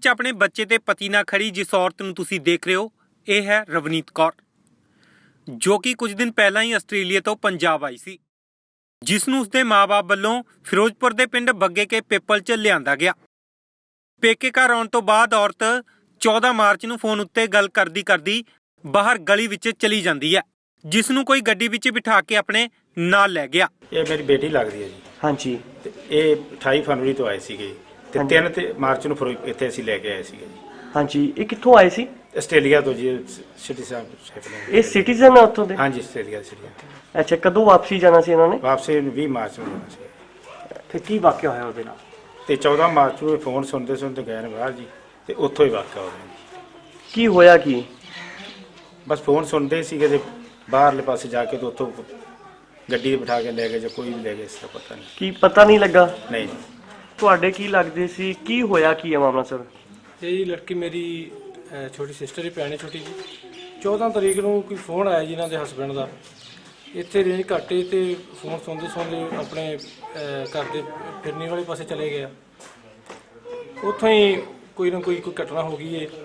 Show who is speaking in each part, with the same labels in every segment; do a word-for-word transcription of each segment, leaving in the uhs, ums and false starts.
Speaker 1: ਵਿੱਚ ਆਪਣੇ ਬੱਚੇ ਤੇ ਪਤੀ ਨਾਲ ਖੜੀ ਜਿਸ ਔਰਤ ਨੂੰ ਤੁਸੀਂ ਦੇਖ ਰਹੇ ਹੋ, ਇਹ ਹੈ ਰਵਨੀਤ ਕੌਰ, ਜੋ ਕਿ ਕੁਝ ਦਿਨ ਪਹਿਲਾਂ ਹੀ ਆਸਟ੍ਰੇਲੀਆ ਤੋਂ ਪੰਜਾਬ ਆਈ ਸੀ, ਜਿਸ ਨੂੰ ਉਸਦੇ ਮਾਂ-ਬਾਪ ਵੱਲੋਂ ਫਿਰੋਜ਼ਪੁਰ ਦੇ ਪਿੰਡ ਬੱਗੇ ਕੇ ਪਿੱਪਲ 'ਚ ਲਿਆਂਦਾ ਗਿਆ। ਪੇਕੇ ਘਰ ਆਉਣ ਤੋਂ ਬਾਅਦ ਔਰਤ ਚੌਦਾਂ ਮਾਰਚ ਨੂੰ ਫੋਨ ਉੱਤੇ ਗੱਲ ਕਰਦੀ ਕਰਦੀ ਬਾਹਰ ਗਲੀ ਵਿੱਚ ਚਲੀ ਜਾਂਦੀ ਹੈ, ਜਿਸ ਨੂੰ ਕੋਈ ਗੱਡੀ ਵਿੱਚ ਬਿਠਾ ਕੇ ਆਪਣੇ ਨਾਲ ਲੈ ਗਿਆ।
Speaker 2: ਇਹ ਮੇਰੀ ਬੇਟੀ ਲੱਗਦੀ ਹੈ ਜੀ।
Speaker 3: ਹਾਂਜੀ।
Speaker 2: ਤੇ ਇਹ ਅਠਾਈ ਫਰਵਰੀ ਤੋਂ ਆਏ ਸੀਗੇ ਤੇ ਤਿੰਨ ਤੇ ਮਾਰਚ ਨੂੰ ਫਿਰ ਇੱਥੇ ਅਸੀਂ ਲੈ ਕੇ ਆਏ ਸੀਗੇ ਜੀ।
Speaker 3: ਹਾਂਜੀ, ਇਹ ਕਿੱਥੋਂ ਆਏ ਸੀ?
Speaker 2: ਆਸਟ੍ਰੇਲੀਆ ਤੋਂ ਜੀ, ਸਿਟੀ ਸਾਹਿਬ ਸ਼ਿਪ
Speaker 3: ਇਹ ਸਿਟੀਜ਼ਨ ਆ ਉੱਥੋਂ ਦੇ?
Speaker 2: ਹਾਂਜੀ, ਆਸਟ੍ਰੇਲੀਆ ਸਿਟੀ।
Speaker 3: ਅੱਛਾ, ਕਦੋਂ ਵਾਪਸੀ ਜਾਣਾ ਸੀ ਇਹਨਾਂ ਨੇ?
Speaker 2: ਵਾਪਸੀ ਵੀਹ ਮਾਰਚ ਨੂੰ ਜਾਣਾ ਸੀ।
Speaker 3: ਫਿਰ ਕੀ ਵਾਕਿਆ ਹੋਇਆ ਉਹਦੇ ਨਾਲ?
Speaker 2: ਤੇ ਚੌਦਾਂ ਮਾਰਚ ਨੂੰ ਫੋਨ ਸੁਣਦੇ ਸੁਣਦੇ ਗਏ ਨੇ ਬਾਹਰ ਜੀ, ਤੇ ਉੱਥੋਂ ਹੀ ਵਾਕਿਆ ਹੋ ਗਿਆ।
Speaker 3: ਕੀ ਹੋਇਆ ਕੀ?
Speaker 2: ਬਸ ਫੋਨ ਸੁਣਦੇ ਸੀਗੇ ਤੇ ਬਾਹਰਲੇ ਪਾਸੇ ਜਾ ਕੇ ਤੇ ਉੱਥੋਂ ਗੱਡੀ ਬਿਠਾ ਕੇ ਲੈ ਗਏ ਜਾਂ ਕੋਈ ਵੀ ਲੈ ਗਏ, ਇਸ ਦਾ ਪਤਾ ਨਹੀਂ।
Speaker 3: ਕੀ ਪਤਾ ਨਹੀਂ ਲੱਗਾ?
Speaker 2: ਨਹੀਂ।
Speaker 3: ਤੁਹਾਡੇ ਕੀ ਲੱਗਦੇ ਸੀ? ਕੀ ਹੋਇਆ ਕੀ ਹੈ ਮਾਮਲਾ ਸਰ?
Speaker 4: ਇਹ ਜੀ ਲੜਕੀ ਮੇਰੀ ਅਹ, ਛੋਟੀ ਸਿਸਟਰ ਹੀ ਭੈਣ ਹੈ ਛੋਟੀ ਜੀ। ਚੌਦਾਂ ਤਰੀਕ ਨੂੰ ਕੋਈ ਫੋਨ ਆਇਆ ਜੀ ਇਹਨਾਂ ਦੇ ਹਸਬੈਂਡ ਦਾ, ਇੱਥੇ ਰੇਂਜ ਘੱਟੇ ਤੇ ਫੋਨ ਸੁਣਦੇ ਸੁਣਦੇ ਆਪਣੇ ਅਹ, ਘਰ ਦੇ ਫਿਰਨੀ ਵਾਲੇ ਪਾਸੇ ਚਲੇ ਗਏ। ਉੱਥੋਂ ਹੀ ਕੋਈ ਨਾ ਕੋਈ ਕੋਈ ਘਟਨਾ ਹੋ ਗਈ ਹੈ।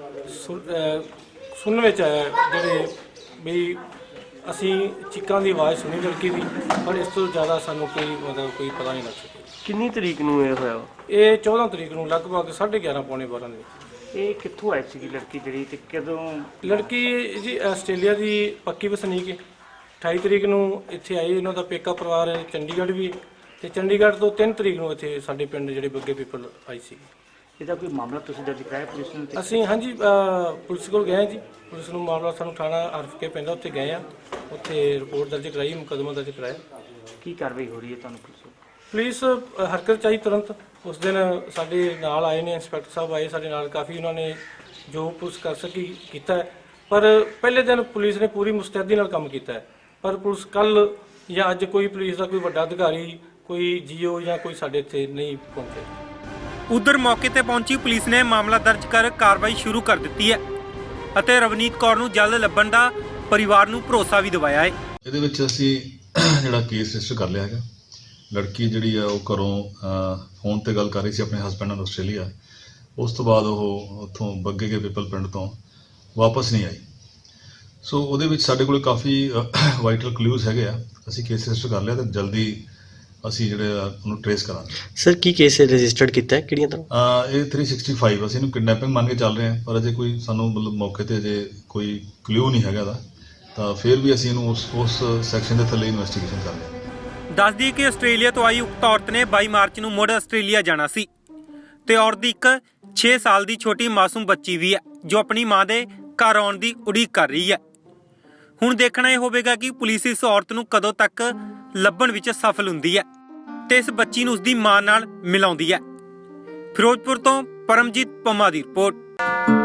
Speaker 4: ਸੁਣਨ ਵਿੱਚ ਆਇਆ ਜਿਹੜੇ ਵੀ ਅਸੀਂ ਚੀਕਾਂ ਦੀ ਆਵਾਜ਼ ਸੁਣੀ ਲੜਕੀ ਦੀ, ਪਰ ਇਸ ਤੋਂ ਜ਼ਿਆਦਾ ਸਾਨੂੰ ਕੋਈ ਮਤਲਬ ਕੋਈ ਪਤਾ ਨਹੀਂ ਲੱਗ ਸਕਿਆ।
Speaker 3: ਕਿੰਨੀ ਤਰੀਕ ਨੂੰ ਇਹ ਹੋਇਆ?
Speaker 4: ਇਹ ਚੌਦਾਂ ਤਰੀਕ ਨੂੰ ਲਗਭਗ ਸਾਢੇ ਗਿਆਰਾਂ ਪੌਣੇ ਬਾਰਾਂ ਦੇ।
Speaker 3: ਇਹ ਕਿੱਥੋਂ ਆਈ ਸੀਗੀ ਲੜਕੀ ਜਿਹੜੀ, ਤੇ ਕਦੋਂ?
Speaker 4: ਲੜਕੀ ਜੀ ਆਸਟ੍ਰੇਲੀਆ ਦੀ ਪੱਕੀ ਵਸਨੀਕ ਹੈ। ਅਠਾਈ ਤਰੀਕ ਨੂੰ ਇੱਥੇ ਆਈ, ਇਹਨਾਂ ਦਾ ਪੇਕਾ ਪਰਿਵਾਰ ਚੰਡੀਗੜ੍ਹ ਵੀ, ਤੇ ਚੰਡੀਗੜ੍ਹ ਤੋਂ ਤਿੰਨ ਤਰੀਕ ਨੂੰ ਇੱਥੇ ਸਾਡੇ ਪਿੰਡ ਜਿਹੜੇ ਬੱਗੇ ਪੀਪਲ ਆਈ ਸੀ।
Speaker 3: ਇਹਦਾ ਕੋਈ ਮਾਮਲਾ ਤੁਸੀਂ ਦਰਜ ਕਰਾਇਆ ਪੁਲਿਸ ਨੂੰ?
Speaker 4: ਅਸੀਂ ਹਾਂਜੀ ਅਹ, ਪੁਲਿਸ ਕੋਲ ਗਏ ਜੀ। ਪੁਲਿਸ ਨੂੰ ਮਾਮਲਾ ਸਾਨੂੰ ਥਾਣਾ ਆਰਫ ਕੇ ਪੈਂਦਾ, ਉੱਥੇ ਗਏ ਆ, ਉੱਥੇ ਰਿਪੋਰਟ ਦਰਜ ਕਰਾਈ, ਮੁਕੱਦਮਾ ਦਰਜ ਕਰਾਇਆ।
Speaker 3: ਕੀ ਕਾਰਵਾਈ ਹੋ ਰਹੀ ਹੈ ਤੁਹਾਨੂੰ ਪੁਲਿਸ ਵੱਲੋਂ?
Speaker 4: ਪੁਲਿਸ ਅਹ, ਹਰਕਤ ਚਾਹੀ ਤੁਰੰਤ। ਉਸ ਦਿਨ ਸਾਡੇ ਨਾਲ ਆਏ ਨੇ, ਇੰਸਪੈਕਟਰ ਸਾਹਿਬ ਆਏ ਸਾਡੇ ਨਾਲ, ਕਾਫੀ ਉਹਨਾਂ ਨੇ ਜੋ ਪੁਲਿਸ ਕਰ ਸਕੀ ਕੀਤਾ ਹੈ। ਪਰ ਪਹਿਲੇ ਦਿਨ ਪੁਲਿਸ ਨੇ ਪੂਰੀ ਮੁਸਤੈਦੀ ਨਾਲ ਕੰਮ ਕੀਤਾ ਹੈ, ਪਰ ਪੁਲਿਸ ਕੱਲ ਜਾਂ ਅੱਜ ਕੋਈ ਪੁਲਿਸ ਦਾ ਕੋਈ ਵੱਡਾ ਅਧਿਕਾਰੀ, ਕੋਈ ਜੀਓ ਜਾਂ ਕੋਈ ਸਾਡੇ ਇੱਥੇ ਨਹੀਂ ਪਹੁੰਚੇ।
Speaker 1: ਉਧਰ ਮੌਕੇ ਤੇ ਪਹੁੰਚੀ ਪੁਲਿਸ ਨੇ ਮਾਮਲਾ ਦਰਜ ਕਰ ਕਾਰਵਾਈ ਸ਼ੁਰੂ ਕਰ ਦਿੱਤੀ ਹੈ ਅਤੇ ਰਵਨੀਤ ਕੌਰ ਨੂੰ ਜਲਦ ਲੱਭਣ ਦਾ ਪਰਿਵਾਰ ਨੂੰ ਭਰੋਸਾ ਵੀ ਦਿਵਾਇਆ ਹੈ।
Speaker 5: ਇਹਦੇ ਵਿੱਚ ਅਸੀਂ ਜਿਹੜਾ ਕੇਸ ਰਜਿਸਟਰ ਕਰ ਲਿਆ ਹੈਗਾ। ਲੜਕੀ ਜਿਹੜੀ ਆ ਉਹ ਘਰੋਂ ਫੋਨ ਤੇ ਗੱਲ ਕਰ ਰਹੀ ਸੀ ਆਪਣੇ ਹਸਬੈਂਡ ਨਾਲ ਆਸਟ੍ਰੇਲੀਆ। ਉਸ ਤੋਂ ਬਾਅਦ ਉਹ ਉੱਥੋਂ ਬੱਗੇ ਕੇ ਪਿੱਪਲ ਪਿੰਡ ਤੋਂ ਵਾਪਸ ਨਹੀਂ ਆਈ। ਸੋ ਉਹਦੇ ਵਿੱਚ ਸਾਡੇ ਕੋਲ ਕਾਫੀ ਵਾਈਟਲ ਕਲੂਜ਼ ਹੈਗੇ ਆ। ਅਸੀਂ ਕੇਸ ਰਜਿਸਟਰ ਕਰ ਲਿਆ ਤੇ ਜਲਦੀ ਅਸੀਂ ਜਿਹੜੇ ਉਹਨੂੰ ਟ੍ਰੇਸ ਕਰਾਂਗੇ।
Speaker 3: ਸਰ ਕੀ ਕੇਸ ਰਜਿਸਟਰਡ ਕੀਤਾ ਹੈ, ਕਿਹੜੀਆਂ ਤਰ੍ਹਾਂ?
Speaker 5: ਇਹ ਤਿੰਨ ਸੌ ਪੈਂਸਠ ਅਸੀਂ ਇਹਨੂੰ ਕਿਡਨੈਪਿੰਗ ਮੰਨ ਕੇ ਚੱਲ ਰਹੇ ਹਾਂ, ਪਰ ਅਜੇ ਕੋਈ ਸਾਨੂੰ ਮਤਲਬ ਮੌਕੇ ਤੇ ਅਜੇ ਕੋਈ ਕਲੂ ਨਹੀਂ ਹੈਗਾ ਦਾ, ਤਾਂ ਫਿਰ ਵੀ ਅਸੀਂ ਇਹਨੂੰ ਉਸ ਉਸ ਸੈਕਸ਼ਨ ਦੇ ਥੱਲੇ ਇਨਵੈਸਟੀਗੇਸ਼ਨ ਕਰ ਰਹੇ ਹਾਂ।
Speaker 1: ਦੱਸ ਦਈਏ ਕਿ ਆਸਟ੍ਰੇਲੀਆ ਤੋਂ ਆਈ ਉਕਤ ਔਰਤ ਨੇ ਬਾਈ ਮਾਰਚ ਨੂੰ ਮੁੜ ਆਸਟ੍ਰੇਲੀਆ ਜਾਣਾ ਸੀ ਤੇ ਔਰਤ ਦੀ ਇੱਕ ਛੇ ਸਾਲ ਦੀ ਛੋਟੀ ਮਾਸੂਮ ਬੱਚੀ ਵੀ ਹੈ, ਜੋ ਆਪਣੀ ਮਾਂ ਦੇ ਘਰ ਆਉਣ ਦੀ ਉਡੀਕ ਕਰ ਰਹੀ ਹੈ। ਹੁਣ ਦੇਖਣਾ ਇਹ ਹੋਵੇਗਾ ਕਿ ਪੁਲਿਸ ਇਸ ਔਰਤ ਨੂੰ ਕਦੋਂ ਤੱਕ ਲੱਭਣ ਵਿੱਚ ਸਫਲ ਹੁੰਦੀ ਹੈ ਤੇ ਇਸ ਬੱਚੀ ਨੂੰ ਉਸਦੀ ਮਾਂ ਨਾਲ ਮਿਲਾਉਂਦੀ ਹੈ। ਫਿਰੋਜ਼ਪੁਰ ਤੋਂ ਪਰਮਜੀਤ ਪੰਮਾ ਦੀ ਰਿਪੋਰਟ।